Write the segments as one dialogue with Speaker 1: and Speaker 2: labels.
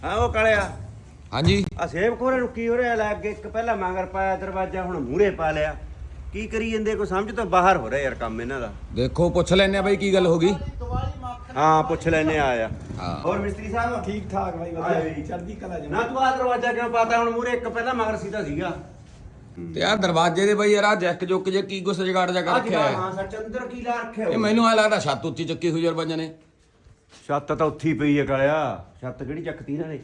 Speaker 1: ਹਾਂ ਉਹ ਕਾਲਿਆ
Speaker 2: ਹਾਂਜੀ
Speaker 1: ਆ ਸੇਬ ਖੋਰੇ ਨੂੰ ਕੀ ਹੋ ਰਿਹਾ ਲੈ ਅੱਗੇ ਇੱਕ ਪਹਿਲਾਂ ਮਗਰ ਪਾਇਆ ਦਰਵਾਜ਼ਾ ਹੁਣ ਮੂਹਰੇ ਪਾ ਲਿਆ ਕੀ ਕਰੀ ਜਾਂਦੇ ਕੋਈ ਸਮਝ ਤੋਂ ਬਾਹਰ ਹੋ ਰਿਹਾ ਯਾਰ ਕੰਮ ਇਹਨਾਂ ਦਾ
Speaker 2: ਦੇਖੋ ਪੁੱਛ ਲੈਨੇ ਆ ਬਾਈ ਕੀ ਗੱਲ ਹੋ ਗਈ
Speaker 1: ਹਾਂ ਪੁੱਛ ਲੈਨੇ ਆ
Speaker 2: ਹਾਂ
Speaker 1: ਹੋਰ ਮਿਸਤਰੀ ਸਾਹਿਬ
Speaker 3: ਠੀਕ ਠਾਕ ਬਾਈ ਵਧੀਆ ਚੜ੍ਹਦੀ ਕਲਾ
Speaker 1: ਨਾ ਤੂੰ ਆ ਦਰਵਾਜ਼ਾ ਕਿਉਂ ਪਾਤਾ ਹੁਣ ਮੂਹਰੇ ਇੱਕ ਪਹਿਲਾਂ ਮਗਰ ਸੀਦਾ ਸੀਗਾ
Speaker 2: ਤੇ ਆ ਦਰਵਾਜ਼ੇ ਦੇ ਬਾਈ ਯਾਰ ਆ ਜੈਕ ਜੁੱਕ ਜੇ ਕੀ ਕੁਛ ਜਗਾੜ ਜਾ ਕਰ ਰੱਖਿਆ ਹੈ
Speaker 1: ਹਾਂ ਸੱਚ ਅੰਦਰ ਕੀ ਲਾ ਰੱਖਿਆ
Speaker 2: ਇਹ ਮੈਨੂੰ ਐ ਲੱਗਦਾ ਛੱਤ ਉੱਚੀ ਚੱਕੀ ਹੋਈ ਯਾਰ ਬੰਜਾਂ ਨੇ
Speaker 1: ਛੱਤ ਤਾਂ ਉੱਥੀ ਪਈ ਹੈ ਕਾਲਿਆ ਛੱਤ ਕਿਹੜੀ ਚੱਕਤੀ ਇਹਨਾਂ ਨੇ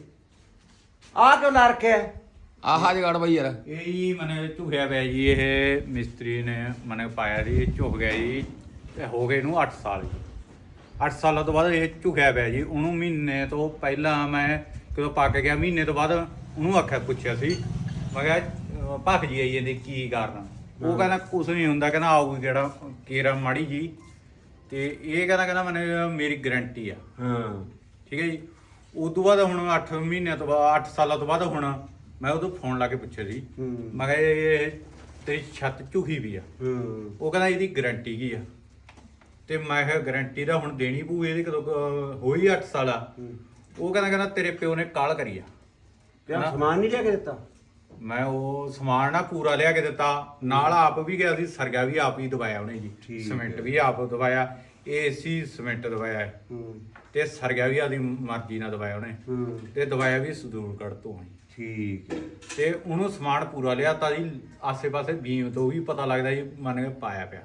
Speaker 1: ਆਹ ਕਿਉਂ ਲਾ ਰੱਖਿਆ
Speaker 2: ਆਹ ਜਗਾੜ ਬਾਈ ਯਾਰ
Speaker 4: ਇਹ ਜੀ ਮਨੇ ਝੁਕਿਆ ਪਿਆ ਜੀ ਇਹ ਮਿਸਤਰੀ ਨੇ ਮਨੇ ਪਾਇਆ ਜੀ ਝੁਕ ਗਿਆ ਜੀ ਤੇ ਹੋ ਗਏ ਇਹਨੂੰ 8 ਸਾਲ ਜੀ 8 ਸਾਲਾਂ ਤੋਂ ਬਾਅਦ ਇਹ ਝੁਕਿਆ ਪਿਆ ਜੀ ਉਹਨੂੰ ਮਹੀਨੇ ਤੋਂ ਪਹਿਲਾਂ ਮੈਂ ਕਦੋਂ ਪੱਕ ਗਿਆ ਮਹੀਨੇ ਤੋਂ ਬਾਅਦ ਉਹਨੂੰ ਆਖਿਆ ਪੁੱਛਿਆ ਸੀ ਮੈਂ ਕਿਹਾ ਭੱਖ ਜੀ ਆਈ ਜਾਂਦੀ ਕੀ ਕਾਰਨ ਉਹ ਕਹਿੰਦਾ ਕੁਛ ਨਹੀਂ ਹੁੰਦਾ ਕਹਿੰਦਾ ਆਊਗੀ ਕਿਹੜਾ ਕੇਰਾ ਮਾੜੀ ਜੀ ਤੇ ਇਹ ਕਹਿੰਦਾ ਮਨੇ ਮੇਰੀ ਗਾਰੰਟੀ ਆ
Speaker 1: ਹਾਂ
Speaker 4: ਠੀਕ ਹੈ ਜੀ ਉਸ ਤੋਂ ਬਾਅਦ ਹੁਣ 8 ਮਹੀਨਿਆਂ ਤੋਂ ਬਾਅਦ 8 ਸਾਲਾਂ ਤੋਂ ਬਾਅਦ ਹੁਣ ਮੈਂ ਉਦੋਂ ਫੋਨ ਲਾ ਕੇ ਪੁੱਛਿਆ ਸੀ ਮੈਂ ਕਿਹਾ ਇਹ ਤੇਰੀ ਛੱਤ ਝੁਕੀ ਵੀ ਆ ਉਹ ਕਹਿੰਦਾ ਇਹਦੀ ਗਾਰੰਟੀ ਕੀ ਆ ਤੇ ਮੈਂ ਕਿਹਾ ਗਾਰੰਟੀ ਦਾ ਹੁਣ ਦੇਣੀ ਪਊ ਇਹਦੀ ਕਦੋਂ ਹੋਈ 8 ਸਾਲ ਆ ਉਹ ਕਹਿੰਦਾ ਤੇਰੇ ਪਿਓ ਨੇ ਕਾਲ ਕਰੀ ਆ
Speaker 1: ਤੇ ਸਮਾਨ ਨਹੀਂ ਲਿਆ ਕੇ ਦਿੱਤਾ
Speaker 4: ਮੈਂ ਉਹ ਸਮਾਨ ਨਾ ਪੂਰਾ ਲਿਆ ਕੇ ਦਿੱਤਾ ਨਾਲ ਆਪ ਵੀ ਗਿਆ ਸੀ ਸਰਗਾ ਵੀ ਆਪ ਹੀ ਦਵਾਇਆ ਉਹਨੇ ਜੀ ਸੀਮੈਂਟ ਵੀ ਆਪ ਦਵਾਇਆ ਏਸੀ ਸੀਮੈਂਟ ਦਵਾਇਆ ਤੇ ਸਰਗਾ ਵੀ ਆਦੀ ਮਰਜ਼ੀ ਨਾਲ ਦਵਾਇਆ ਉਹਨੇ ਤੇ ਦਵਾਇਆ ਵੀ ਸਦੂਰਗੜ੍ਹ ਤੋਂ
Speaker 1: ਠੀਕ
Speaker 4: ਤੇ ਉਹਨੂੰ ਸਮਾਨ ਪੂਰਾ ਲਿਆ ਤਾਂ ਜੀ ਆਸੇ-ਪਾਸੇ ਬੀਮ ਤੋਂ ਵੀ ਪਤਾ ਲੱਗਦਾ ਜੀ ਮੰਨ ਕੇ ਪਾਇਆ ਪਿਆ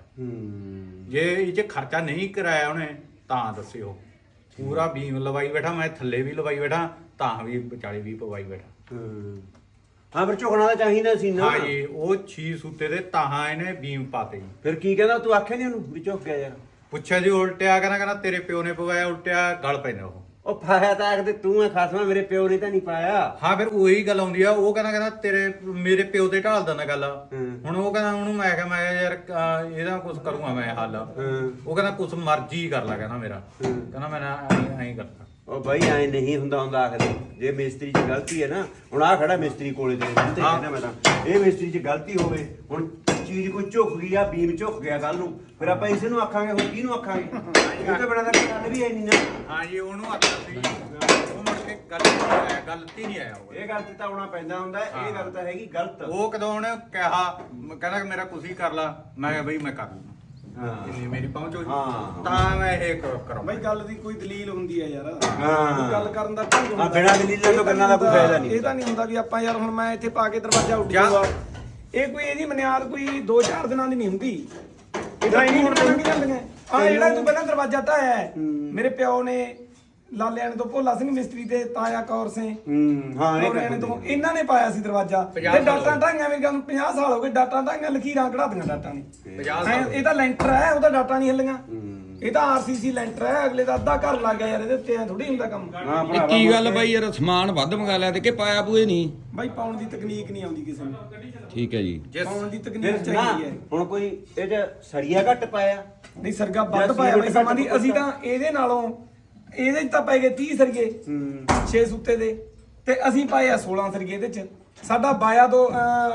Speaker 4: ਜੇ ਇਹ 'ਚ ਖਰਚਾ ਨਹੀਂ ਕਰਾਇਆ ਉਹਨੇ ਤਾਂ ਦੱਸਿਓ ਪੂਰਾ ਬੀਮ ਲਵਾਈ ਬੈਠਾ ਮੈਂ ਥੱਲੇ ਵੀ ਲਵਾਈ ਬੈਠਾ ਤਾਂ ਵੀ ਵਿਚਾਲੇ ਵੀ ਪਵਾਈ ਬੈਠਾ
Speaker 1: ਹਾਂ ਫਿਰ ਝੁਕਣਾ ਤਾਂ ਚਾਹੀਦਾ ਸੀ ਨਾ
Speaker 4: ਹਾਂ ਜੀ ਉਹ 6 ਸੂਤੇ ਦੇ ਤਾਹਾਂ ਇਹਨੇ ਬੀਮ ਪਾਤੇ ਜੀ
Speaker 1: ਫਿਰ ਕੀ ਕਹਿੰਦਾ ਤੂੰ ਆਖਿਆ ਨਹੀਂ ਉਹਨੂੰ ਵੀ ਝੁਕ ਗਿਆ ਯਾਰ
Speaker 4: ਪੁੱਛਿਆ ਜੀ ਉਲਟਿਆ ਕਹਿੰਦਾ ਤੇਰੇ ਪਿਓ ਨੇ ਪਵਾਇਆ ਉਲਟਿਆ ਗਲ ਪੈਂਦਾ
Speaker 1: ਉਹ ਪਾਇਆ ਤਾਂ ਆਖਦੇ ਤੂੰ ਐ ਖਾਸਮਾ ਮੇਰੇ ਪਿਓ ਨੇ ਤਾਂ ਨਹੀਂ ਪਾਇਆ
Speaker 4: ਹਾਂ ਫਿਰ ਉਹੀ ਗੱਲ ਆਉਂਦੀ ਆ ਉਹ ਕਹਿੰਦਾ ਤੇਰੇ ਮੇਰੇ ਪਿਓ ਤੇ ਢਾਲ ਦਿੰਦਾ ਗੱਲ ਹੁਣ ਉਹ ਕਹਿੰਦਾ ਉਹਨੂੰ ਮੈਂ ਕਿਹਾ ਮੈਂ ਯਾਰ ਇਹਦਾ ਕੁਝ ਕਰੂੰਗਾ ਮੈਂ ਹੱਲ ਉਹ ਕਹਿੰਦਾ ਕੁਝ ਮਰਜ਼ੀ ਕਰ ਲੈ ਕਹਿੰਦਾ ਮੇਰਾ ਕਹਿੰਦਾ ਮੈਂ ਐਂ ਕਰਦਾ
Speaker 1: ਉਹ ਬਾਈ ਐ ਨਹੀਂ ਹੁੰਦਾ ਆਖਦੇ ਜੇ ਮਿਸਤਰੀ 'ਚ ਗਲਤੀ ਹੈ ਨਾ ਹੁਣ ਆ ਖੜਾ ਮਿਸਤਰੀ ਕੋਲੇ ਤੇ ਕਹਿੰਦਾ ਮੈਂ ਤਾਂ ਇਹ ਮਿਸਤਰੀ 'ਚ ਗਲਤੀ ਹੋਵੇ ਹੁਣ ਚੀਜ਼ ਕੋਈ ਝੁਕ ਗਈ ਆ ਬੀਮ ਝੁਕ ਗਿਆ ਕੱਲ ਨੂੰ ਫਿਰ ਆਪਾਂ ਇਸ ਨੂੰ ਆਖਾਂਗੇ ਹੁਣ ਕਿਹਨੂੰ ਆਖਾਂਗੇ ਇਹ ਤਾਂ ਬਣਾ ਦਾ ਗੱਲ ਵੀ ਐ ਨਹੀਂ ਨਾ
Speaker 4: ਹਾਂ ਜੀ ਉਹਨੂੰ ਆਖਿਆ ਸੀ ਉਹ ਮੁੜ ਕੇ ਗਲਤੀ ਨਹੀਂ ਆਇਆ
Speaker 1: ਇਹ ਗੱਲ ਤੇ ਤਾਂ ਆਉਣਾ ਪੈਂਦਾ ਹੁੰਦਾ ਇਹ ਗੱਲ ਤਾਂ ਹੈਗੀ ਗਲਤ
Speaker 4: ਉਹ ਕਦੋਂ ਉਹਨੇ ਕਿਹਾ ਕਹਿੰਦਾ ਮੇਰਾ ਕੁਛ ਹੀ ਕਰ ਲਾ ਮੈਂ ਕਿਹਾ ਬਈ ਮੈਂ ਕਰ ਲੂੰ ਇੰਨੀ ਮੇਰੀ ਪਹੁੰਚ ਹੋ ਜੀ ਤਾਂ ਮੈਂ ਇਹ ਕਰਾਂ
Speaker 3: ਬਾਈ ਗੱਲ ਦੀ ਕੋਈ ਦਲੀਲ ਹੁੰਦੀ ਹੈ ਯਾਰ
Speaker 1: ਹਾਂ
Speaker 3: ਗੱਲ ਕਰਨ ਦਾ ਢੰਗ ਹੁੰਦਾ
Speaker 1: ਬਿਨਾਂ ਦਲੀਲਾਂ ਤੋਂ ਗੱਲਾਂ ਦਾ ਕੋਈ ਫਾਇਦਾ ਨਹੀਂ
Speaker 3: ਇਹ ਤਾਂ ਨਹੀਂ ਹੁੰਦਾ ਵੀ ਆਪਾਂ ਯਾਰ ਹੁਣ ਮੈਂ ਇੱਥੇ ਪਾ ਕੇ ਦਰਵਾਜ਼ਾ ਉੱਡ ਜਾਊਗਾ ਇਹ ਕੋਈ ਇਹਦੀ ਬੁਨਿਆਦ ਕੋਈ 2-4 ਦਿਨਾਂ ਦੀ ਨਹੀਂ ਹੁੰਦੀ ਇਹਦਾ ਹੀ ਹੁਣ ਲੰਘ ਜਾਂਦੀਆਂ ਆ ਜਿਹੜਾ ਤੂੰ ਪਹਿਲਾਂ ਦਰਵਾਜ਼ਾ ਢਾਇਆ ਮੇਰੇ ਪਿਓ ਨੇ ਲਾਲਿਆਂ ਨੇ ਤੋਂ ਭੋਲਾ ਸਿੰਘ ਮਿਸਤਰੀ ਤੇ ਤਾਇਆ ਕੌਰ ਸਿੰਘ
Speaker 1: ਹਾਂ
Speaker 3: ਇਹ ਤੋਂ ਇਹਨਾਂ ਨੇ ਪਾਇਆ ਸੀ ਦਰਵਾਜ਼ਾ ਤੇ ਡਾਟਾਂ ਢਾਈਆਂ ਮੇਰੇ ਕੋਲ 50 ਸਾਲ ਹੋ ਗਏ ਡਾਟਾਂ ਢਾਈਆਂ ਲਕੀਰਾਂ ਕਢਾ ਦੀਆਂ ਡਾਟਾਂ ਨੇ ਇਹ ਤਾਂ ਲੈਂਟਰ ਹੈ ਉਹਦਾ ਡਾਟਾ ਨਹੀਂ ਹਿੱਲੀਆਂ ਇਹ ਤਾਂ ਆਰਸੀਸੀ ਲੈਂਟਰ ਹੈ ਅਗਲੇ ਦਾ ਅੱਧਾ ਘਰ ਲੱਗ ਗਿਆ ਯਾਰ ਇਹਦੇ ਉੱਤੇ ਐ ਥੋੜੀ ਹੁੰਦਾ ਕੰਮ
Speaker 2: ਇਹ ਕੀ ਗੱਲ ਬਾਈ ਯਾਰ ਸਮਾਨ ਵੱਧ ਮੰਗਾ ਲਿਆ ਤੇ ਕਿ ਪਾਇਆ ਪੂਏ ਨਹੀਂ
Speaker 3: ਬਾਈ ਪਾਉਣ ਦੀ ਤਕਨੀਕ ਨਹੀਂ ਆਉਂਦੀ ਕਿਸੇ ਨੂੰ
Speaker 2: ਠੀਕ ਹੈ ਜੀ
Speaker 3: ਪਾਉਣ ਦੀ ਤਕਨੀਕ ਚਾਹੀਦੀ ਹੈ
Speaker 1: ਹੁਣ ਕੋਈ ਇਹ 'ਚ ਸੜੀਆ ਘੱਟ ਪਾਇਆ
Speaker 3: ਨਹੀਂ ਸਰਗਾ ਵੱਧ ਪਾਇਆ ਬਾਈ ਸਮਾਂ ਦੀ ਅਸੀਂ ਤਾਂ ਇਹਦੇ ਨਾਲੋਂ ਇਹਦੇ 'ਚ ਤਾਂ ਪੈ ਗਏ 30 ਸਰਗੇ 6 ਸੁੱਤੇ ਦੇ ਤੇ ਅਸੀਂ ਪਾਏ ਆ 16 ਸਰਗੇ ਇਹਦੇ 'ਚ ਸਾਡਾ ਬਾਇਆ ਤੋਂ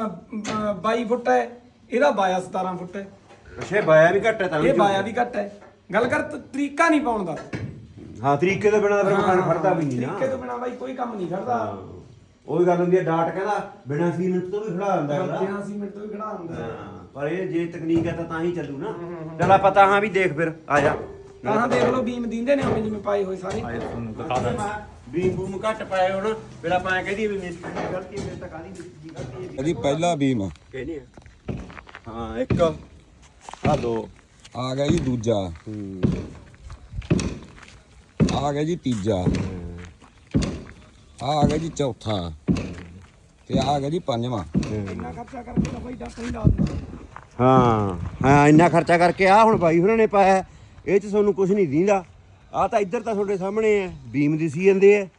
Speaker 3: 22 ਫੁੱਟ ਹੈ ਇਹਦਾ ਬਾਇਆ 17 ਫੁੱਟ ਹੈ
Speaker 1: ਅੱਛਾ ਬਾਇਆ ਵੀ ਘੱਟ ਹੈ ਤਾਂ
Speaker 3: ਇਹ ਬਾਇਆ ਵੀ ਘੱਟ ਹੈ ਗੱਲ ਕਰ ਤਰੀਕਾ ਨਹੀਂ ਪਾਉਣ ਦਾ
Speaker 1: ਹਾਂ ਤਰੀਕੇ ਤੋਂ ਬਿਨਾਂ ਫਿਰ ਮਕਾਨ ਖੜਦਾ ਵੀ ਨਹੀਂ ਨਾ
Speaker 3: ਤਰੀਕੇ ਤੋਂ ਬਿਨਾਂ ਬਾਈ ਕੋਈ ਕੰਮ ਨਹੀਂ ਖੜਦਾ
Speaker 1: ਉਹੀ ਗੱਲ ਹੁੰਦੀ ਹੈ ਡਾਟ ਕਹਿੰਦਾ ਬਿਨਾਂ ਸੀਮੈਂਟ ਤੋਂ ਵੀ ਖੜਾ ਹੁੰਦਾ ਹੈ
Speaker 3: ਬਿਨਾਂ ਸੀਮੈਂਟ ਤੋਂ ਵੀ ਖੜਾ ਹੁੰਦਾ
Speaker 1: ਪਰ ਇਹ ਜੇ ਤਕਨੀਕ ਹੈ ਤਾਂ ਹੀ ਚੱਲੂ ਨਾ ਚੱਲ ਆਪਾਂ ਤਾਂ ਹਾਂ ਵੀ ਦੇਖ ਫਿਰ ਆ ਜਾ
Speaker 3: ਤਾਂ ਦੇਖ ਲਓ ਬੀਮ ਦਿੰਦੇ ਨੇ ਜਿਵੇਂ ਪਾਏ ਹੋਏ ਸਾਰੇ
Speaker 4: ਤੁਹਾਨੂੰ ਦਿਖਾ ਦਾਂ
Speaker 1: ਬੀਮ ਬੂਮ ਘੱਟ ਪਾਏ ਹੁਣ ਫਿਰ ਆਪਾਂ ਐ ਕਹਦੀ ਵੀ ਮਿਸਤਰੀ ਦੀ ਗਲਤੀ ਫਿਰ ਤਾਂ ਕਾਹਦੀ ਮਿਸਤਰੀ ਦੀ ਗਲਤੀ ਹੈ
Speaker 2: ਇਹਦੀ ਪਹਿਲਾ ਬੀਮ
Speaker 1: ਕਹਿੰਦੇ ਹਾਂ ਇੱਕ ਆ ਦੋ
Speaker 2: ਆ ਗਿਆ ਜੀ ਦੂਜਾ ਆ ਗਿਆ ਜੀ ਤੀਜਾ ਆ ਗਿਆ ਜੀ ਚੌਥਾ ਤੇ ਆ ਗਿਆ ਜੀ ਪੰਜਵਾਂ
Speaker 3: ਇੰਨਾ ਖਰਚਾ ਕਰਕੇ ਤਾਂ ਬਾਈ ਡਾਕਟਰ ਹੀ ਲਾ ਦਿੰਦਾ
Speaker 1: ਹਾਂ ਇੰਨਾ ਖਰਚਾ ਕਰਕੇ ਆ ਹੁਣ ਬਾਈ ਹੋਰਾਂ ਨੇ ਪਾਇਆ ਇਹ 'ਚ ਤੁਹਾਨੂੰ ਕੁਝ ਨਹੀਂ ਦੀਂਦਾ ਆ ਤਾਂ ਇੱਧਰ ਤਾਂ ਤੁਹਾਡੇ ਸਾਹਮਣੇ ਹੈ ਬੀਮ ਦਿਸੀ ਜਾਂਦੇ ਆ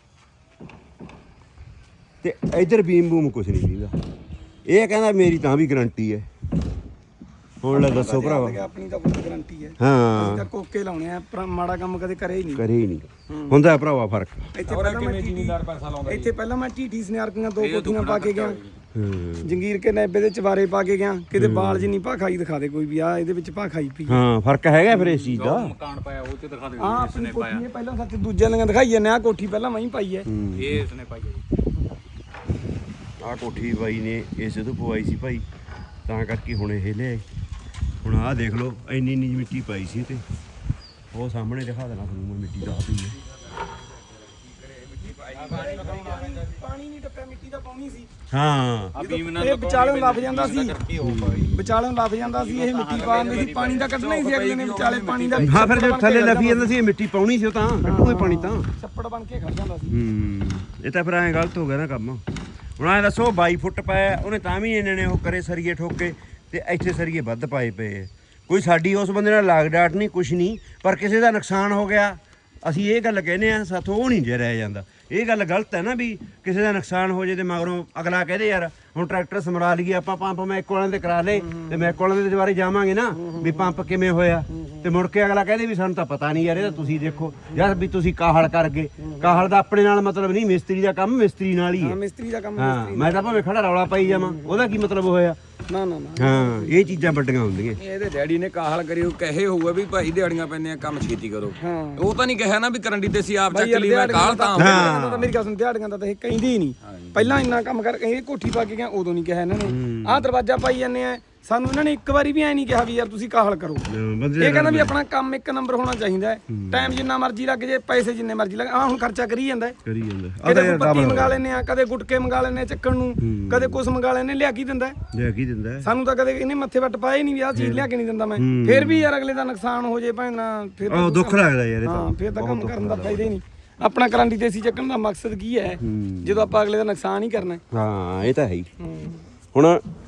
Speaker 1: ਤੇ ਇੱਧਰ ਬੀਮ ਬੂਮ ਕੁਝ ਨਹੀਂ ਦੀਂਦਾ ਇਹ ਕਹਿੰਦਾ ਮੇਰੀ ਤਾਂ ਵੀ ਗਾਰੰਟੀ ਹੈ ਹੁਣ ਲੈ ਦੱਸੋ ਭਰਾਵਾ
Speaker 3: ਆਪਣੀ ਤਾਂ ਫੁੱਲ ਗਾਰੰਟੀ ਹੈ
Speaker 1: ਹਾਂ
Speaker 3: ਅਸੀਂ ਤਾਂ ਕੋਕੇ ਲਾਉਣੇ ਆ ਪਰ ਮਾੜਾ ਕੰਮ ਕਦੇ ਕਰੇ ਹੀ ਨਹੀਂ
Speaker 1: ਕਰੇ ਹੀ ਨਹੀਂ ਹੁੰਦਾ ਭਰਾਵਾ ਫਰਕ
Speaker 3: ਇੱਥੇ ਪਹਿਲਾਂ ਮੈਂ ਟੀਟੀ ਪੈਸਾ ਲਾਉਂਦਾ ਇੱਥੇ ਪਹਿਲਾਂ ਮੈਂ ਟੀਟੀ ਸਨਿਆਰਕੀਆਂ 2 ਕੋਠੀਆਂ ਪਾ ਕੇ ਗਿਆ ਜੰਗੀਰ ਕੇ ਨੈਬੇ ਦੇ ਚਵਾਰੇ ਪਾ ਕੇ ਗਿਆ ਕਿਤੇ ਬਾਲ ਜਿੰਨੀ ਭਾ ਖਾਈ ਦਿਖਾ ਦੇ ਕੋਈ ਵੀ ਆ ਇਹਦੇ ਵਿੱਚ ਭਾ ਖਾਈ ਪਈ
Speaker 1: ਹਾਂ ਫਰਕ ਹੈਗਾ ਫਿਰ ਇਸ ਚੀਜ਼ ਦਾ।
Speaker 4: ਮਕਾਨ ਪਾਇਆ ਉਹ ਤੇ ਦਿਖਾ ਦੇ
Speaker 3: ਆ ਆਪਣੀ ਕੋਠੀ ਇਹ ਪਹਿਲਾਂ ਸੱਚ ਦੂਜਿਆਂ ਲੀਆਂ ਦਿਖਾਈ ਜਾਂਦੇ ਆ ਕੋਠੀ ਪਹਿਲਾਂ ਮੈਂ ਹੀ ਪਾਈ ਹੈ
Speaker 4: ਇਹ ਇਸਨੇ ਪਾਈ ਹੈ ਜੀ।
Speaker 1: ਆਹ ਕੋਠੀ ਬਾਈ ਨੇ ਇਸੇ ਤੋਂ ਪਵਾਈ ਸੀ ਭਾਈ, ਤਾਂ ਕਰਕੇ ਹੁਣ ਇਹ ਲਿਆਏ। ਹੁਣ ਆਹ ਦੇਖ ਲਓ ਇੰਨੀ ਇੰਨੀ ਮਿੱਟੀ ਪਾਈ ਸੀ ਤੇ ਉਹ ਸਾਹਮਣੇ ਦਿਖਾ ਦੇਣਾ ਤੁਹਾਨੂੰ ਮੈਂ ਮਿੱਟੀ ਦਾ ਪਈ ਹੈ।
Speaker 3: ਪਾਣੀ ਨਹੀਂ ਟੱਪਿਆ ਮਿੱਟੀ ਦਾ ਪਾਉਣੀ ਸੀ।
Speaker 1: ਹਾਂ
Speaker 4: ਆ ਬੀਮ ਨਾਲ
Speaker 3: ਇਹ ਵਿਚਾਲੇ ਲੱਭ ਜਾਂਦਾ ਸੀ
Speaker 4: ਕਰਕੇ ਹੋ ਪਾਈ
Speaker 3: ਵਿਚਾਲੇ ਲੱਭ ਜਾਂਦਾ ਸੀ ਇਹ ਮਿੱਟੀ ਪਾਉਂਦੇ ਸੀ ਪਾਣੀ ਦਾ ਕੱਢਣਾ ਹੀ ਸੀ ਅਗਲੇ ਨੇ ਵਿਚਾਲੇ ਪਾਣੀ ਦਾ
Speaker 1: ਹਾਂ ਫਿਰ ਜੇ ਥੱਲੇ ਲੱਫੀ ਜਾਂਦਾ ਸੀ ਇਹ ਮਿੱਟੀ ਪਾਉਣੀ ਸੀ ਉਹ ਤਾਂ ਕੱਢੂਗੇ ਪਾਣੀ ਤਾਂ।
Speaker 3: ਛੱਪੜ ਬਣ ਕੇ ਖੜ ਜਾਂਦਾ ਸੀ।
Speaker 1: ਇਹ ਤਾਂ ਫਿਰ ਐਂ ਗਲਤ ਹੋ ਗਿਆ ਨਾ ਕੰਮ। ਹੁਣ ਐਂ ਦੱਸੋ 22 ਫੁੱਟ ਪਾਇਆ ਉਹਨੇ ਤਾਂ ਵੀ ਇਹਨਾਂ ਨੇ ਉਹ ਕਰੇ ਸਰੀਏ ਠੋਕੇ ਤੇ ਇੱਥੇ ਸਰੀਏ ਵੱਧ ਪਾਏ ਪਏ ਆ। ਕੋਈ ਸਾਡੀ ਉਸ ਬੰਦੇ ਨਾਲ ਲਾਗ ਡਾਟ ਨਹੀਂ ਕੁਛ ਨਹੀਂ, ਪਰ ਕਿਸੇ ਦਾ ਨੁਕਸਾਨ ਹੋ ਗਿਆ ਅਸੀਂ ਇਹ ਗੱਲ ਕਹਿੰਦੇ ਆ ਸਾਥੋਂ ਉਹ ਨਹੀਂ ਜੇ ਰਹਿ ਜਾਂਦਾ। ਇਹ ਗੱਲ ਗਲਤ ਹੈ ਨਾ ਵੀ ਕਿਸੇ ਦਾ ਨੁਕਸਾਨ ਹੋ ਜੇ ਤੇ ਮਗਰੋਂ ਅਗਲਾ ਕਹਦੇ ਯਾਰ ਹੁਣ ਟਰੈਕਟਰ ਸਮਰਾ ਲਈਏ ਆਪਾਂ ਪੰਪ ਮੈਂ ਇੱਕ ਵਾਲਿਆਂ ਦੇ ਕਰਾ ਲਏ ਤੇ ਮੈਂ ਇੱਕ ਵਾਲਿਆਂ ਦੇ ਦੁਬਾਰੇ ਜਾਵਾਂਗੇ ਨਾ ਵੀ ਪੰਪ ਕਿਵੇਂ ਹੋਇਆ ਤੇ ਮੁੜ ਕੇ ਅਗਲਾ ਕਹਦੇ ਵੀ ਸਾਨੂੰ ਤਾਂ ਪਤਾ ਨਹੀਂ ਯਾਰ ਇਹ ਤਾਂ ਤੁਸੀਂ ਦੇਖੋ ਯਾਰ ਵੀ ਤੁਸੀਂ ਕਾਹਲ ਕਰ ਗਏ। ਕਾਹਲ ਦਾ ਆਪਣੇ ਨਾਲ ਮਤਲਬ ਨਹੀਂ, ਮਿਸਤਰੀ ਦਾ ਕੰਮ ਮਿਸਤਰੀ ਨਾਲ ਹੀ
Speaker 3: ਹਾਂ
Speaker 1: ਹੈ।
Speaker 3: ਮਿਸਤਰੀ ਦਾ ਕੰਮ
Speaker 1: ਹਾਂ ਮੈਂ ਤਾਂ ਭਾਵੇਂ ਖੜਾ ਰੌਲਾ ਪਾਈ ਜਾਵਾਂ ਉਹਦਾ ਕੀ ਮਤਲਬ ਹੋਇਆ।
Speaker 3: ਨਾ ਨਾ ਨਾ
Speaker 1: ਹਾਂ ਇਹ ਚੀਜ਼ਾਂ ਵੱਡੀਆਂ ਹੁੰਦੀਆਂ।
Speaker 2: ਇਹਦੇ ਡੈਡੀ ਨੇ ਕਾਹਲ ਕਰੀ ਉਹ ਕਹੇ ਹੋਊਗਾ ਵੀ ਭਾਈ ਦਿਹਾੜੀਆਂ ਪੈਂਦੀਆਂ ਕੰਮ ਛੇਤੀ ਕਰੋ।
Speaker 3: ਹਾਂ
Speaker 2: ਉਹ ਤਾਂ ਨਹੀਂ ਕਿਹਾ ਨਾ ਵੀ ਕਰੰਡੀ ਤੇ ਸੀ ਆਪ ਚੱਕ ਲਈ ਮੈਂ
Speaker 3: ਦਿਹਾੜੀਆਂ
Speaker 2: ਕਾਹਲ ਤਾਂ
Speaker 3: ਦਿਹਾੜੀਆਂ ਦਾ ਮੇਰੀ ਗੱਲ ਸੁਣ ਦਿਹਾੜੀਆਂ ਦਾ ਤਾਂ ਇਹ ਕਹਿੰਦੇ ਹੀ ਨਹੀਂ। ਪਹਿਲਾਂ ਇੰਨਾ ਕੰਮ ਕਰ ਇਹ ਕੋਠੀ ਪਾ ਕੇ ਗਿਆ ਉਦੋਂ ਨਹੀਂ ਕਿਹਾ ਇਹਨਾਂ ਨੇ। ਆਹ ਦਰਵਾਜ਼ਾ ਪਾਈ ਜਾਂਦੇ ਆ ਸਾਨੂੰ ਇਹਨਾਂ ਨੇ ਇੱਕ ਵਾਰੀ ਵੀ ਐ ਨਹੀਂ ਕਿਹਾ ਵੀ ਯਾਰ ਤੁਸੀਂ ਕਾਹਲ ਕਰੋ। ਇਹ ਕਹਿੰਦਾ ਵੀ ਆਪਣਾ ਕੰਮ ਇੱਕ ਨੰਬਰ ਹੋਣਾ ਚਾਹੀਦਾ ਹੈ। ਟਾਈਮ ਜਿੰਨਾ ਮਰਜ਼ੀ ਲੱਗ ਜੇ ਪੈਸੇ ਜਿੰਨੇ ਮਰਜ਼ੀ ਲੱਗ ਆ ਹੁਣ ਖਰਚਾ ਕਰੀ ਜਾਂਦਾ
Speaker 1: ਕਰੀ ਜਾਂਦਾ
Speaker 3: ਕਦੇ ਕੋਈ ਪੱਤੀ ਮੰਗਾ ਲੈਨੇ ਆ ਕਦੇ ਗੁਟਕੇ ਮੰਗਾ ਲੈਨੇ ਚੱਕਣ ਨੂੰ ਕਦੇ ਕੁਛ ਮੰਗਾ ਲੈਨੇ ਲਿਆ ਕੀ ਦਿੰਦਾ
Speaker 1: ਲਿਆ ਕੀ ਦਿੰਦਾ
Speaker 3: ਸਾਨੂੰ ਤਾਂ ਕਦੇ ਇਹਨੇ ਮੱਥੇ ਵੱਟ ਪਾਏ ਨਹੀਂ ਵੀ ਆਹ ਚੀਜ਼ ਲਿਆ ਕੇ ਨਹੀਂ ਦਿੰਦਾ ਮੈਂ। ਫਿਰ ਵੀ ਯਾਰ ਅਗਲੇ ਦਾ ਨੁਕਸਾਨ ਹੋ ਜੇ ਭਾਵੇਂ ਫਿਰ
Speaker 1: ਉਹ ਦੁੱਖ ਲੱਗਦਾ ਯਾਰ ਇਹ
Speaker 3: ਹਾਂ
Speaker 1: ਤਾਂ।
Speaker 3: ਫਿਰ ਤਾਂ ਕੰਮ ਕਰਨ ਦਾ ਫਾਇਦਾ ਹੀ ਨਹੀਂ। ਆਪਣਾ ਕਰੰਡੀ ਤੇ ਸੀ ਚੱਕਣ ਦਾ ਮਕਸਦ ਕੀ ਹੈ ਜਦੋਂ ਆਪਾਂ ਅਗਲੇ ਦਾ ਨੁਕਸਾਨ ਹੀ ਕਰਨਾ।
Speaker 1: ਹਾਂ ਇਹ ਤਾਂ ਹੈ ਹੀ। ਹੁਣ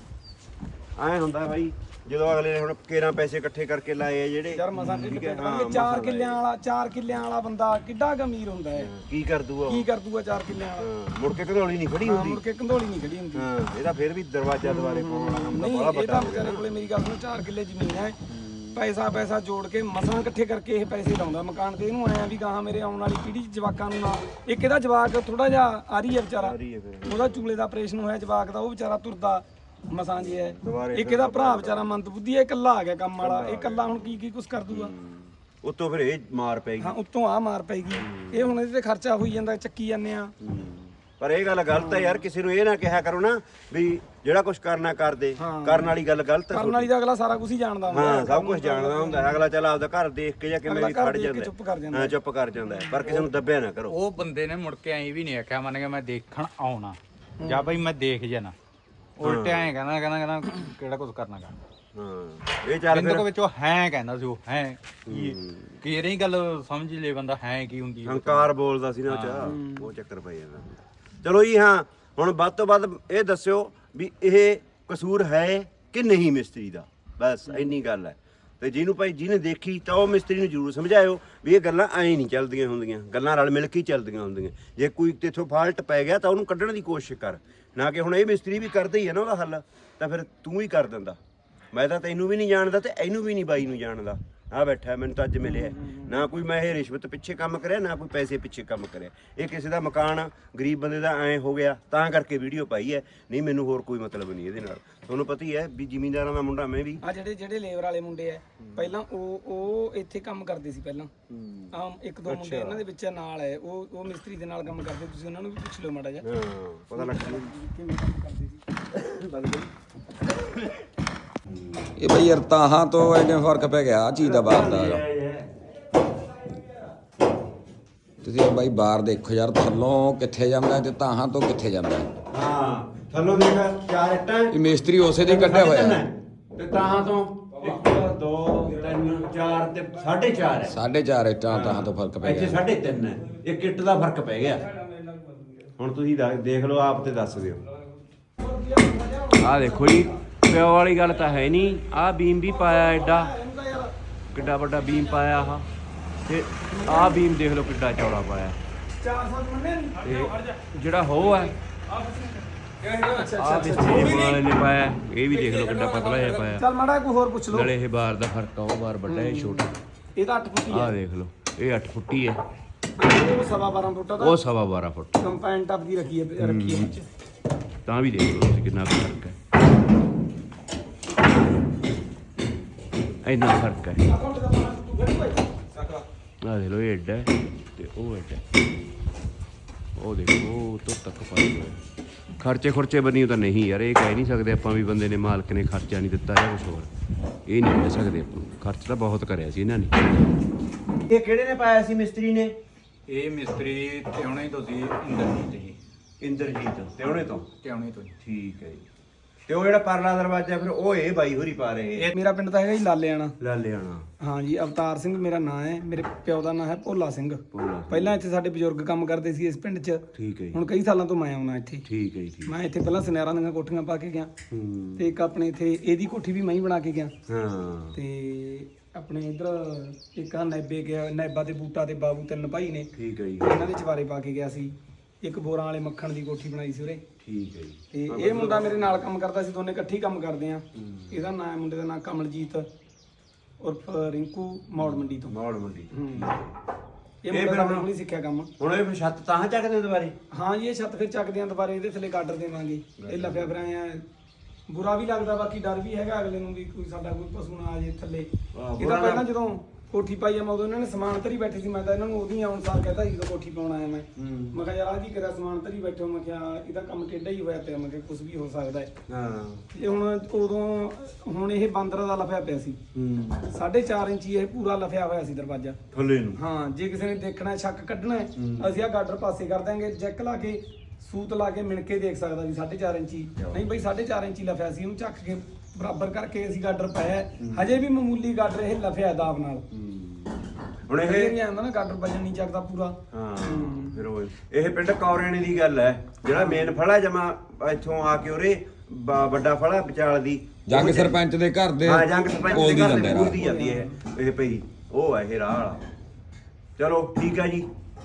Speaker 1: ਐ ਹੁੰਦਾ ਬਾਈ ਜਦੋਂ ਅਗਲੇ ਨੇ ਹੁਣ ਕੇਰਾਂ ਪੈਸੇ ਇਕੱਠੇ ਕਰਕੇ ਲਾਏ ਆ ਜਿਹੜੇ
Speaker 3: ਯਾਰ ਮਸਾਂ ਢਿੱਡ ਪੇਟ ਬਣ ਕੇ 4 ਕਿੱਲਿਆਂ ਵਾਲਾ ਬੰਦਾ ਕਿੱਡਾ ਗਮੀਰ ਹੁੰਦਾ ਹੈ।
Speaker 1: ਕੀ ਕਰ ਦੂਗਾ
Speaker 3: ਕੀ ਕਰ ਦੂਗਾ 4 ਕਿੱਲਿਆਂ ਵਾਲਾ।
Speaker 1: ਮੁੜ ਕੇ ਘੜੋਲੀ ਨਹੀਂ ਖੜੀ
Speaker 3: ਹਾਂ
Speaker 1: ਹੁੰਦੀ।
Speaker 3: ਮੁੜ ਕੇ ਕੰਧੋਲੀ ਨਹੀਂ ਖੜੀ ਹੁੰਦੀ।
Speaker 1: ਹਾਂ ਇਹਦਾ ਫਿਰ ਵੀ ਦਰਵਾਜ਼ਾ ਦੁਆਰੇ ਪਾਉਣ ਵਾਲਾ ਕੰਮ ਤਾਂ
Speaker 3: ਨਹੀਂ
Speaker 1: ਬੜਾ
Speaker 3: ਇਹ
Speaker 1: ਵੱਡਾ
Speaker 3: ਤਾਂ ਵਿਚਾਰੇ ਕੋਲੇ ਮੇਰੀ ਗੱਲ ਸੁਣੋ 4 ਕਿੱਲੇ ਜ਼ਮੀਨ ਹੈ। ਪੈਸਾ ਜੋੜ ਕੇ ਮਸਾਂ ਇਕੱਠੇ ਕਰਕੇ ਇਹ ਪੈਸੇ ਲਾਉਂਦਾ ਮਕਾਨ ਤੇ। ਇਹਨੂੰ ਆਇਆ ਵੀ ਗਾਹਾਂ ਮੇਰੇ ਆਉਣ ਵਾਲੀ ਪੀੜ੍ਹੀ ਚ ਜਵਾਕਾਂ ਨੂੰ ਨਾ ਇੱਕ ਇਹਦਾ ਜਵਾਕ ਥੋੜਾ ਜਿਹਾ ਆ ਰਹੀ ਹੈ ਵਿਚਾਰਾ ਉਹਦਾ ਚੂਲੇ ਦਾ ਆਪਰੇਸ਼ਨ ਹੋਇਆ ਜਵਾਕ ਦਾ ਉਹ ਵਿਚਾਰਾ ਤੁਰਦਾ ਮਸਾਂ ਜੀ ਹੈ। ਇੱਕ ਇਹਦਾ ਭਰਾ ਵਿਚਾਰਾ ਮੰਦ ਬੁੱਧੀ ਹੈ ਇਕੱਲਾ ਆ ਗਿਆ ਕੰਮ ਵਾਲਾ। ਇਹ ਇਕੱਲਾ ਹੁਣ ਕੀ ਕੁਛ ਕਰ ਦੂਗਾ।
Speaker 1: ਉਤੋਂ ਫਿਰ ਇਹ ਮਾਰ ਪੈਗੀ।
Speaker 3: ਹਾਂ ਉੱਤੋਂ ਆ ਮਾਰ ਪੈਗੀ। ਇਹ ਹੁਣ ਇਹਦੇ ਤੇ ਖਰਚਾ ਹੋਈ ਜਾਂਦਾ ਚੱਕੀ ਜਾਂਦੇ ਆ।
Speaker 1: ਪਰ ਇਹ ਗੱਲ ਗਲਤ ਹੈ ਯਾਰ ਕਿਸੇ ਨੂੰ ਇਹ ਨਾ ਕਿਹਾ ਕਰੋ ਨਾ ਵੀ ਜਿਹੜਾ ਕੁਝ ਕਰਨਾ ਕਰਦੇ ਕਰਨ ਵਾਲੀ ਗੱਲ ਗਲਤ ਹੈ।
Speaker 3: ਕਰਨ ਵਾਲੀ ਦਾ ਅਗਲਾ ਸਾਰਾ ਕੁਝ ਹੀ ਜਾਣਦਾ ਹੁੰਦਾ।
Speaker 1: ਹਾਂ ਸਭ ਕੁਝ ਜਾਣਦਾ ਹੁੰਦਾ ਹੈ। ਅਗਲਾ ਚੱਲ ਆਪਦਾ ਘਰ ਦੇਖ ਕੇ ਜਾਂ ਕਿਵੇਂ ਵੀ ਖੜ ਜਾਂਦਾ
Speaker 3: ਚੁੱਪ ਕਰ ਜਾਂਦਾ।
Speaker 1: ਹਾਂ ਚੁੱਪ ਕਰ ਜਾਂਦਾ ਪਰ ਕਿਸੇ ਨੂੰ ਦੱਬਿਆ ਨਾ ਕਰੋ।
Speaker 4: ਉਹ ਬੰਦੇ ਨੇ ਮੁੜ ਕੇ ਐਂ ਵੀ ਨਹੀਂ ਆਖਿਆ ਮੰਨ ਕੇ ਮੈਂ ਦੇਖਣ ਆਉਣਾ ਜਾਂ ਬਈ ਮੈਂ ਦੇਖ ਜਾਣਾ। ਉਲਟੇ ਐਂ ਕਹਿੰਦਾ ਕਿਹੜਾ ਕੁਝ ਕਰਨਾ ਕਰ।
Speaker 1: ਹਾਂ ਇਹ ਚੱਲ
Speaker 4: ਬਿੰਦਕ ਵਿੱਚ ਉਹ ਹੈ ਕਹਿੰਦਾ ਸੀ ਉਹ ਹੈ ਕੀ ਇਹ ਨਹੀਂ ਗੱਲ ਸਮਝ ਲੈ ਬੰਦਾ ਹੈ ਕੀ ਹੁੰਦੀ ਹੈ।
Speaker 1: ਹੰਕਾਰ ਬੋਲਦਾ ਸੀ ਨਾ ਉਹ ਚੱਕਰ ਪੈ ਜਾਂਦਾ। ਚਲੋ ਜੀ ਹਾਂ ਹੁਣ ਵੱਧ ਤੋਂ ਵੱਧ ਇਹ ਦੱਸਿਓ ਵੀ ਇਹ ਕਸੂਰ ਹੈ ਕਿ ਨਹੀਂ ਮਿਸਤਰੀ ਦਾ, ਬਸ ਇੰਨੀ ਗੱਲ ਹੈ। ਤੇ ਜਿਹਨੂੰ ਭਾਈ ਜਿਹਨੇ ਦੇਖੀ ਤਾਂ ਉਹ ਮਿਸਤਰੀ ਨੂੰ ਜ਼ਰੂਰ ਸਮਝਾਇਓ ਵੀ ਇਹ ਗੱਲਾਂ ਐਂ ਨਹੀਂ ਚੱਲਦੀਆਂ ਹੁੰਦੀਆਂ, ਗੱਲਾਂ ਰਲ ਮਿਲ ਕੇ ਹੀ ਚੱਲਦੀਆਂ ਹੁੰਦੀਆਂ। ਜੇ ਕੋਈ ਤੇਥੋਂ ਫਾਲਟ ਪੈ ਗਿਆ ਤਾਂ ਉਹਨੂੰ ਕੱਢਣ ਦੀ ਕੋਸ਼ਿਸ਼ ਕਰ, ਨਾ ਕਿ ਹੁਣ ਇਹ ਮਿਸਤਰੀ ਵੀ ਕਰਦਾ ਹੀ ਹੈ ਨਾ ਉਹਦਾ ਹੱਲ, ਤਾਂ ਫਿਰ ਤੂੰ ਹੀ ਕਰ ਦਿੰਦਾ। ਮੈਂ ਤਾਂ ਤੈਨੂੰ ਵੀ ਨਹੀਂ ਜਾਣਦਾ ਤੇ ਇਹਨੂੰ ਵੀ ਨਹੀਂ ਬਾਈ ਨੂੰ ਜਾਣਦਾ। ਆ ਬੈਠਾ ਮੈਨੂੰ ਤਾਂ ਅੱਜ ਮਿਲਿਆ ਨਾ ਕੋਈ ਮੈਂ ਇਹ ਰਿਸ਼ਵਤ ਪਿੱਛੇ ਕੰਮ ਕਰਿਆ ਨਾ ਕੋਈ ਪੈਸੇ ਪਿੱਛੇ ਕੰਮ ਕਰਿਆ। ਇਹ ਕਿਸੇ ਦਾ ਮਕਾਨ ਗਰੀਬ ਬੰਦੇ ਦਾ ਐਂ ਹੋ ਗਿਆ ਤਾਂ ਕਰਕੇ ਵੀਡੀਓ ਪਾਈ ਹੈ, ਨਹੀਂ ਮੈਨੂੰ ਹੋਰ ਕੋਈ ਮਤਲਬ ਨਹੀਂ ਇਹਦੇ ਨਾਲ। ਤੁਹਾਨੂੰ ਪਤਾ ਹੀ ਹੈ ਵੀ ਜ਼ਿਮੀਂਦਾਰਾਂ ਦਾ ਮੁੰਡਾ ਮੈਂ ਵੀ।
Speaker 3: ਆ ਜਿਹੜੇ ਲੇਬਰ ਵਾਲੇ ਮੁੰਡੇ ਆ ਪਹਿਲਾਂ ਉਹ ਇੱਥੇ ਕੰਮ ਕਰਦੇ ਸੀ ਪਹਿਲਾਂ। ਆਮ ਇੱਕ ਦੋ ਮੁੰਡੇ ਇਹਨਾਂ ਦੇ ਵਿੱਚ ਨਾਲ ਹੈ ਉਹ ਮਿਸਤਰੀ ਦੇ ਨਾਲ ਕੰਮ ਕਰਦੇ। ਤੁਸੀਂ ਉਹਨਾਂ ਨੂੰ ਵੀ ਪੁੱਛ ਲਓ ਮਾੜਾ ਜਿਹਾ
Speaker 1: ਹਾਂ ਪਤਾ ਲੱਗ
Speaker 3: ਕਿਵੇਂ ਕੰਮ ਕਰਦੇ ਸੀ।
Speaker 2: ਇਹ ਬਈ ਯਾਰ ਤਾਹਾਂ ਤੋਂ ਐਨੇ ਫਰਕ ਪੈ ਗਿਆ ਆ ਚੀਜ਼ ਦਾ ਬਾਹਰ ਦਾ। ਤੁਸੀਂ ਬਾਈ ਬਾਹਰ ਦੇਖੋ ਯਾਰ ਥੱਲੋਂ ਕਿੱਥੇ ਜਾਂਦਾ ਤੇ ਤਾਹਾਂ ਤੋਂ ਕਿੱਥੇ ਜਾਂਦਾ।
Speaker 1: ਹਾਂ ਥੱਲੋਂ ਦੇਖ 4 ਇੱਟਾਂ
Speaker 2: ਇਹ ਮਿਸਤਰੀ ਉਸੇ ਦੇ ਕੱਢਿਆ ਹੋਇਆ
Speaker 1: ਤੇ ਤਾਹਾਂ ਤੋਂ 1 2 3 4 ਤੇ 4.5 ਹੈ।
Speaker 2: 4.5 ਇੱਟਾਂ ਤਾਹਾਂ ਤੋਂ ਫਰਕ ਪੈ
Speaker 1: ਇੱਥੇ
Speaker 2: ਗਿਆ।
Speaker 1: 3.5 ਹੈ। ਇੱਕ ਇੱਟ ਦਾ ਫਰਕ ਪੈ ਗਿਆ। ਹੁਣ ਤੁਸੀਂ ਦੇਖ ਲਓ ਆਪ ਤੇ ਦੱਸ ਦਿਓ। ਆਹ ਦੇਖੋ ਜੀ ਪਿਓ ਵਾਲੀ ਗੱਲ ਤਾਂ ਹੈ ਨਹੀਂ। ਆਹ ਬੀਮ ਵੀ ਪਾਇਆ ਐਡਾ ਕਿੱਡਾ ਵੱਡਾ ਬੀਮ ਪਾਇਆ ਆਹ, ਤੇ ਆਹ ਬੀਮ ਦੇਖ ਲਓ ਕਿੱਡਾ ਚੌੜਾ ਪਾਇਆ।
Speaker 3: 400 ਮੰਨੇ
Speaker 1: ਤੇ ਜਿਹੜਾ ਹੋ ਹੈ ਆਹ ਮਿਸਤਰੀ ਵਾਲੇ ਨੇ ਪਾਇਆ, ਇਹ ਵੀ ਦੇਖ ਲਓ ਕਿੱਡਾ ਪਤਲਾ ਜਿਹਾ ਪਾਇਆ।
Speaker 3: ਚੱਲ ਮਾੜਾ ਕੋਈ ਹੋਰ ਪੁੱਛ ਲਓ।
Speaker 1: ਨਾਲੇ ਇਹ ਬਾਰ ਦਾ ਫਰਕ ਆ, ਉਹ ਬਾਰ ਵੱਡਾ ਇਹ ਛੋਟਾ।
Speaker 3: ਇਹਦਾ 8 ਫੁੱਟੀ
Speaker 1: ਆਹ
Speaker 3: ਹੈ।
Speaker 1: ਦੇਖ ਲਓ ਇਹ 8 ਫੁੱਟੀ ਹੈ,
Speaker 3: ਉਹ 12.5 ਫੁੱਟ ਦਾ
Speaker 1: ਉਹ 12.5 ਫੁੱਟ।
Speaker 3: ਕੰਪਾਈਨ ਟੱਪ ਦੀ ਰੱਖੀ ਹੈ ਵਿੱਚ।
Speaker 1: ਤਾਂ ਵੀ ਦੇਖ ਲਓ ਤੁਸੀਂ ਕਿੰਨਾ ਕੁ ਫਰਕ ਹੈ, ਇੰਨਾ ਫਰਕ ਹੈ। ਆ ਦੇਖ ਲਓ ਇਹ ਐਡਾ ਹੈ ਤੇ ਉਹ ਐਡਾ ਹੈ। ਉਹ ਦੇਖੋ ਉਹ ਤੋਂ ਤੱਕ ਫਰਕ ਹੋਇਆ। ਖਰਚੇ ਖੁਰਚੇ ਬਣੀ ਤਾਂ ਨਹੀਂ ਯਾਰ, ਇਹ ਕਹਿ ਨਹੀਂ ਸਕਦੇ ਆਪਾਂ ਵੀ ਬੰਦੇ ਨੇ ਮਾਲਕ ਨੇ ਖਰਚਾ ਨਹੀਂ ਦਿੱਤਾ ਜਾਂ ਕੁਝ ਹੋਰ, ਇਹ ਨਹੀਂ ਕਹਿ ਸਕਦੇ ਆਪਾਂ। ਖਰਚ ਤਾਂ ਬਹੁਤ ਕਰਿਆ ਸੀ ਇਹਨਾਂ ਨੇ। ਇਹ ਕਿਹੜੇ ਨੇ ਪਾਇਆ ਸੀ ਮਿਸਤਰੀ ਨੇ?
Speaker 4: ਇਹ ਮਿਸਤਰੀ ਟਿਉਣੇ ਤੋਂ ਸੀ, ਇੰਦਰਜੀਤ ਜੀ।
Speaker 1: ਇੰਦਰਜੀਤ ਟਿਉਣੇ ਤੋਂ?
Speaker 4: ਟਿਉਣੇ ਤੋਂ ਜੀ।
Speaker 1: ਠੀਕ ਹੈ ਜੀ। ਤੇ ਉਹ ਜਿਹੜਾ ਪਰਲਾ ਦਰਵਾਜ਼ਾ ਫਿਰ ਉਹ ਇਹ ਬਾਈ ਹੋਰੀ ਪਾ ਰਹੇ?
Speaker 3: ਮੇਰਾ ਪਿੰਡ ਤਾਂ ਹੈਗਾ ਜੀ ਲਾਲੇਆਣਾ।
Speaker 1: ਲਾਲੇਆਣਾ।
Speaker 3: ਹਾਂ ਜੀ, ਅਵਤਾਰ ਸਿੰਘ ਮੇਰਾ ਨਾਂ ਹੈ। ਮੇਰੇ ਪਿਓ ਦਾ ਨਾਂ ਹੈ ਭੋਲਾ ਸਿੰਘ। ਪਹਿਲਾਂ ਇੱਥੇ ਸਾਡੇ ਬਜ਼ੁਰਗ ਕੰਮ ਕਰਦੇ ਸੀ ਇਸ ਪਿੰਡ 'ਚ।
Speaker 1: ਠੀਕ ਹੈ ਜੀ।
Speaker 3: ਹੁਣ ਕਈ ਸਾਲਾਂ ਤੋਂ ਮੈਂ ਆਉਣਾ ਇੱਥੇ।
Speaker 1: ਠੀਕ ਹੈ ਜੀ, ਠੀਕ।
Speaker 3: ਮੈਂ ਇੱਥੇ ਪਹਿਲਾਂ ਸੁਨਿਆਰਾਂ ਦੀਆਂ ਕੋਠੀਆਂ ਪਾ ਕੇ ਗਿਆ ਤੇ ਇੱਕ ਆਪਣੇ ਇੱਥੇ ਇਹਦੀ ਕੋਠੀ ਵੀ ਮੈਂ ਹੀ ਬਣਾ ਕੇ ਗਿਆ।
Speaker 1: ਹਾਂ।
Speaker 3: ਤੇ ਆਪਣੇ ਇਧਰ ਇੱਕ ਆ ਨੈਬੇ ਗਿਆ, ਨੈਬਾ ਤੇ ਬੂਟਾ ਤੇ ਬਾਬੂ ਤਿੰਨ ਭਾਈ ਨੇ।
Speaker 1: ਠੀਕ ਹੈ ਜੀ।
Speaker 3: ਇਹਨਾਂ ਦੇ ਚਵਾਰੇ ਪਾ ਕੇ ਗਿਆ ਸੀ। ਇੱਕ ਬੋਰਾਂ ਵਾਲੇ ਮੱਖਣ ਦੀ ਕੋਠੀ ਬਣਾਈ ਸੀ ਉਰੇ।
Speaker 1: ਠੀਕ ਹੈ ਜੀ।
Speaker 3: ਤੇ ਇਹ ਮੁੰਡਾ ਮੇਰੇ ਨਾਲ ਕੰਮ ਕਰਦਾ ਸੀ, ਦੋਨੇ ਇਕੱਠੇ ਹੀ ਕੰਮ ਕਰਦੇ ਆ। ਇਹਦਾ ਨਾਮ, ਮੁੰਡੇ ਦਾ ਨਾਮ ਕਮਲਜੀਤ ਉਰਫ ਰਿੰਕੂ, ਮੌੜ ਮੰਡੀ ਤੋਂ।
Speaker 1: ਮੌੜ ਮੰਡੀ ਤੋਂ।
Speaker 3: ਇਹ ਮੁੰਡਾ ਆਪਣੇ ਕੋਲ ਹੀ ਸਿੱਖਿਆ ਕੰਮ।
Speaker 1: ਹੁਣ ਇਹ ਫਿਰ ਛੱਤ ਤਾਂ ਚੱਕਦੇ ਦੁਬਾਰੇ?
Speaker 3: ਹਾਂ ਜੀ, ਇਹ ਛੱਤ ਫਿਰ ਚੱਕਦੇ ਆ ਦੁਬਾਰੇ, ਇਹਦੇ ਥੱਲੇ ਗਾਡਰ ਦੇਵਾਂਗੇ। ਇਹ ਲੱਭਿਆ ਫਿਰ ਆਇਆ, ਬੁਰਾ ਵੀ ਲੱਗਦਾ, ਬਾਕੀ ਡਰ ਵੀ ਹੈਗਾ ਅਗਲੇ ਨੂੰ ਵੀ ਕੋਈ ਸਾਡਾ ਕੋਈ ਪਸ਼ੂ ਨਾ ਆ ਜੇ ਥੱਲੇ। ਇਹਦਾ ਪਹਿਲਾਂ ਜਦੋਂ ਕੋਠੀ ਪਾਈ ਆ ਮੈਂ ਉਦੋਂ ਇਹਨਾਂ ਨੇ ਸਮਾਨ ਧਰੀ ਬੈਠੇ ਸੀ। ਮੈਂ ਤਾਂ ਇਹਨਾਂ ਨੂੰ ਉਹਦੀ ਆਉਣ ਸਾਰ ਕਹਿੰਦਾ ਸੀ ਜਦੋਂ ਕੋਠੀ ਪਾਉਣ ਆਇਆ ਮੈਂ ਕਿਹਾ ਯਾਰ ਆਹ ਕੀ ਕਰਿਆ, ਸਮਾਨ ਧਰੀ ਬੈਠੋ। ਮੈਂ ਕਿਹਾ ਇਹਦਾ ਕੰਮ ਟੇਢਾ ਹੀ ਹੋਇਆ ਪਿਆ, ਮੈਂ ਕਿਹਾ ਕੁਝ ਵੀ ਹੋ ਸਕਦਾ ਹੈ।
Speaker 1: ਹਾਂ।
Speaker 3: ਇਹ ਹੁਣ ਇਹ ਬਾਂਦਰਾਂ ਦਾ ਲਫਿਆ ਪਿਆ ਸੀ। 4.5 ਇੰਚੀ ਇਹ ਪੂਰਾ ਲਫਿਆ ਹੋਇਆ ਸੀ ਦਰਵਾਜ਼ਾ
Speaker 1: ਥੱਲੇ ਨੂੰ।
Speaker 3: ਹਾਂ, ਜੇ ਕਿਸੇ ਨੇ ਦੇਖਣਾ ਸ਼ੱਕ ਕੱਢਣਾ ਹੈ, ਅਸੀਂ ਆ ਗਾਡਰ ਪਾਸੇ ਕਰ ਦਾਂਗੇ, ਜੈਕ ਲਾ ਕੇ ਸੂਤ ਲਾ ਕੇ ਮਿਣ ਕੇ ਦੇਖ ਸਕਦਾ ਵੀ 4.5 ਇੰਚੀ। ਨਹੀਂ ਬਈ 4.5 ਇੰਚੀ ਲਫਿਆ ਸੀ, ਉਹਨੂੰ ਚੱਕ ਕੇ ਬਰਾਬਰ ਕਰਕੇ ਅਸੀਂ ਗਾਡਰ ਪਾਇਆ। ਹਜੇ ਵੀ ਮਾਮੂਲੀ ਗਾਡਰ ਇਹ ਲਫਿਆ ਦਾਬ ਨਾਲ।
Speaker 1: ਹੁਣ ਇਹ
Speaker 3: ਨਹੀਂ ਆਉਂਦਾ ਨਾ ਗਾਡਰ ਵਜਨ ਨਹੀਂ ਚੱਕਦਾ ਪੂਰਾ।
Speaker 1: ਹਾਂ। ਫਿਰ ਉਹ ਇਹ ਪਿੰਡ ਕੌਰੇਣੇ ਦੀ ਗੱਲ ਹੈ, ਜਿਹੜਾ ਮੇਨ ਫੜਾ ਜਮਾ ਇੱਥੋਂ ਆ ਕੇ ਉਰੇ ਵੱਡਾ ਫੜਾ ਵਿਚਾਲ ਦੀ
Speaker 2: ਜੰਗ ਸਰਪੰਚ ਦੇ ਘਰ ਦੇ।
Speaker 1: ਹਾਂ, ਜੰਗ ਸਰਪੰਚ ਦੇ ਘਰ ਦੇ
Speaker 2: ਰਾਹ।
Speaker 1: ਬੋਲਦੀ ਜਾਂਦੀ ਹੈ ਇਹ ਪਈ। ਉਹ ਹੈ ਇਹ ਰਾਹ ਵਾਲਾ। ਚਲੋ ਠੀਕ ਹੈ ਜੀ।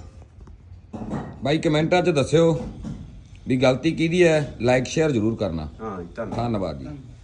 Speaker 2: ਬਾਈ ਕਮੈਂਟਾਂ 'ਚ ਦੱਸਿਓ ਵੀ ਗਲਤੀ ਕਿਹਦੀ ਹੈ। ਲਾਈਕ ਸ਼ੇਅਰ ਜ਼ਰੂਰ ਕਰਨਾ।
Speaker 1: ਹਾਂ ਜੀ, ਧੰਨਵਾਦ।
Speaker 2: ਧੰਨਵਾਦ ਜੀ।